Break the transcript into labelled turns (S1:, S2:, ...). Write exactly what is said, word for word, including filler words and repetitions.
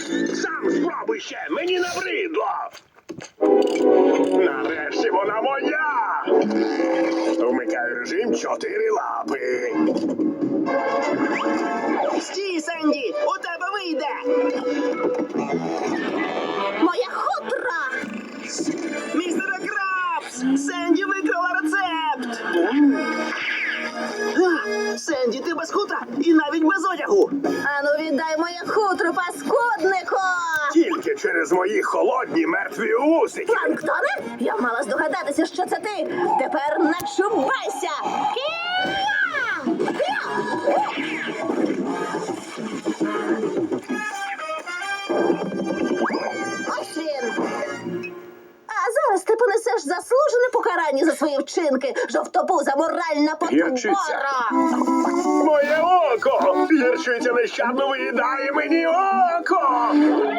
S1: Сам спробуй ще, мені набридло. Нарешті вона моя. Вмикаю режим чотири лапи.
S2: Стій, Сенді, у тебе вийде.
S3: Моя хутра!
S2: Містере Крабс, Сенді викрила рецепт. А, Сенді, ти без хутра і навіть без одягу.
S3: Ану, віддай моє хутро, паскуднику!
S1: Тільки через мої холодні мертві усики.
S3: Планктоне? Я мала здогадатися, що це ти. Тепер начувайся! Кія! Ось він. А зараз ти понесеш заслужене покарання за свої вчинки, жовтобуза моральна
S1: Гірчиця.
S3: потвора!
S1: Моє око! Гірчиця нещадно виїдає мені око!